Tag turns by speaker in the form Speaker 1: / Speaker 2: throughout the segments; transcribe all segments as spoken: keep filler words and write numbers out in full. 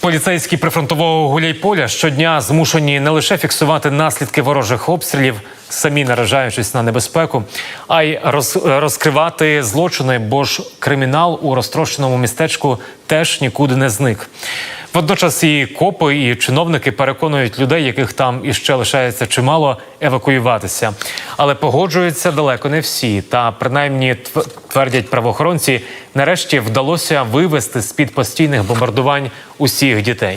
Speaker 1: Поліцейські прифронтового Гуляйполя щодня змушені не лише фіксувати наслідки ворожих обстрілів, самі наражаючись на небезпеку, а й роз, розкривати злочини, бо ж кримінал у розтрощеному містечку теж нікуди не зник. Водночас і копи, і чиновники переконують людей, яких там іще лишається чимало, евакуюватися. Але погоджуються далеко не всі. Та, принаймні, твердять правоохоронці, нарешті вдалося вивести з-під постійних бомбардувань усіх дітей.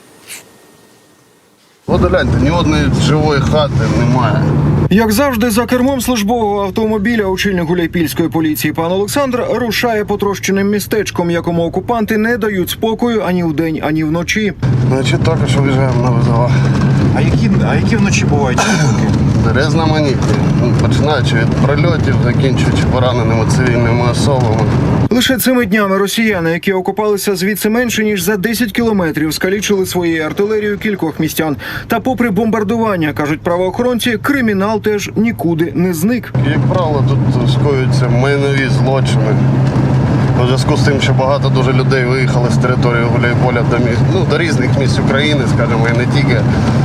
Speaker 2: От гляньте, ні одної живої хати немає.
Speaker 3: Як завжди, за кермом службового автомобіля очільник гуляйпільської поліції пан Олександр рушає потрощеним містечком, якому окупанти не дають спокою ані вдень, ані вночі.
Speaker 2: Значить, тільки що виїжджаємо на визова.
Speaker 3: А які, а які вночі бувають виклики?
Speaker 2: Різноманітні, починаючи від прильотів, закінчуючи пораненими цивільними особами.
Speaker 3: Лише цими днями росіяни, які окупалися звідси менше, ніж за десять кілометрів, скалічили своєю артилерією кількох містян. Та попри бомбардування, кажуть правоохоронці, кримінал теж нікуди не зник.
Speaker 2: Як правило, тут скоюються майнові злочини. У зв'язку з тим, що багато дуже людей виїхали з території Гуляйполя до, міст, ну, до різних місць України, скажімо, і не тільки,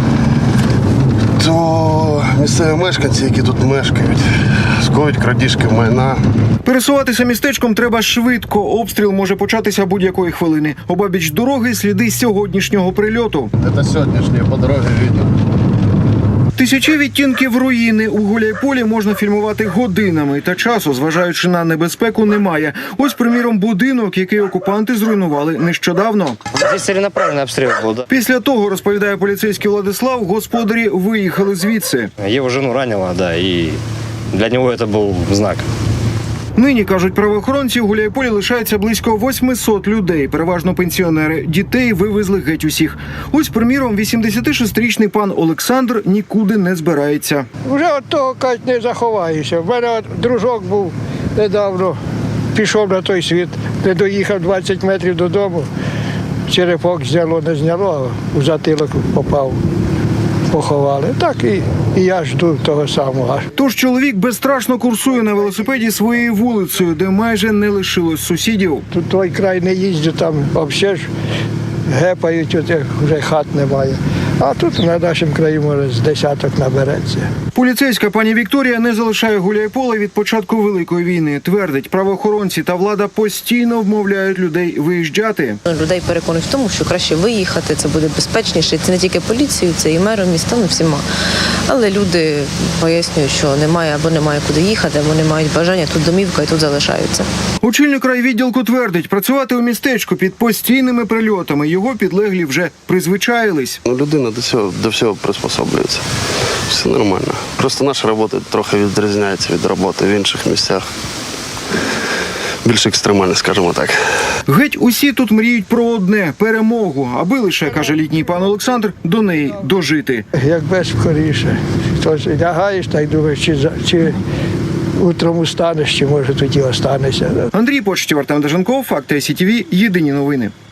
Speaker 2: то місцеві мешканці, які тут мешкають, скоюють крадіжки майна.
Speaker 3: Пересуватися містечком треба швидко. Обстріл може початися будь-якої хвилини. Обабіч дороги сліди сьогоднішнього прильоту.
Speaker 2: Це сьогоднішнє по дорозі відео.
Speaker 3: Тисячі відтінків руїни у Гуляйполі можна фільмувати годинами, та часу, зважаючи на небезпеку, немає. Ось, приміром, будинок, який окупанти зруйнували нещодавно.
Speaker 4: Здесь целенаправленный обстрел был, да.
Speaker 3: Після того, розповідає поліцейський Владислав, господарі виїхали звідси.
Speaker 4: Его жену ранило, да, и для него это был знак.
Speaker 3: Нині, кажуть правоохоронці, у Гуляйполі лишається близько восьмисот людей, переважно пенсіонери. Дітей вивезли геть усіх. Ось, приміром, вісімдесятишестирічний пан Олександр нікуди не збирається.
Speaker 5: Вже від того, кажуть, не заховаєшся. В мене от дружок був недавно, пішов на той світ, не доїхав двадцять метрів додому. Черепок зняло, не зняло, а у затилок попав. Поховали. Так і, і я жду того самого.
Speaker 3: Тож чоловік безстрашно курсує на велосипеді своєю вулицею, де майже не лишилось сусідів.
Speaker 5: Тут той край не їздю, там взагалі ж гепають, от як вже хат немає. А тут на нашому краї, може, з десяток набереться.
Speaker 3: Поліцейська пані Вікторія не залишає Гуляйполя від початку Великої війни. Твердить, правоохоронці та влада постійно вмовляють людей виїжджати.
Speaker 6: Людей переконують в тому, що краще виїхати, це буде безпечніше. Це не тільки поліцією, це і мером міста, ну всіма. Але люди пояснюють, що немає або немає куди їхати, або не мають бажання, тут домівка і тут залишаються.
Speaker 3: Очільник райвідділку твердить, працювати у містечку під постійними прильотами його підлеглі вже призвичаїлись.
Speaker 2: Ну, людина до всього, до всього приспособлюється. Все нормально. Просто наша робота трохи відрізняється від роботи в інших місцях. Більш екстремально, скажімо так.
Speaker 3: Геть усі тут мріють про одне – перемогу, аби лише, каже літній пан Олександр, до неї дожити.
Speaker 5: Якби скоріше. Хтось лягаєш, так думаєш, чи, за- чи утром устанеш, чи може тоді останешся.
Speaker 3: Андрій Почтів, Артем Деженков, Факти ай сі ті ві, єдині новини.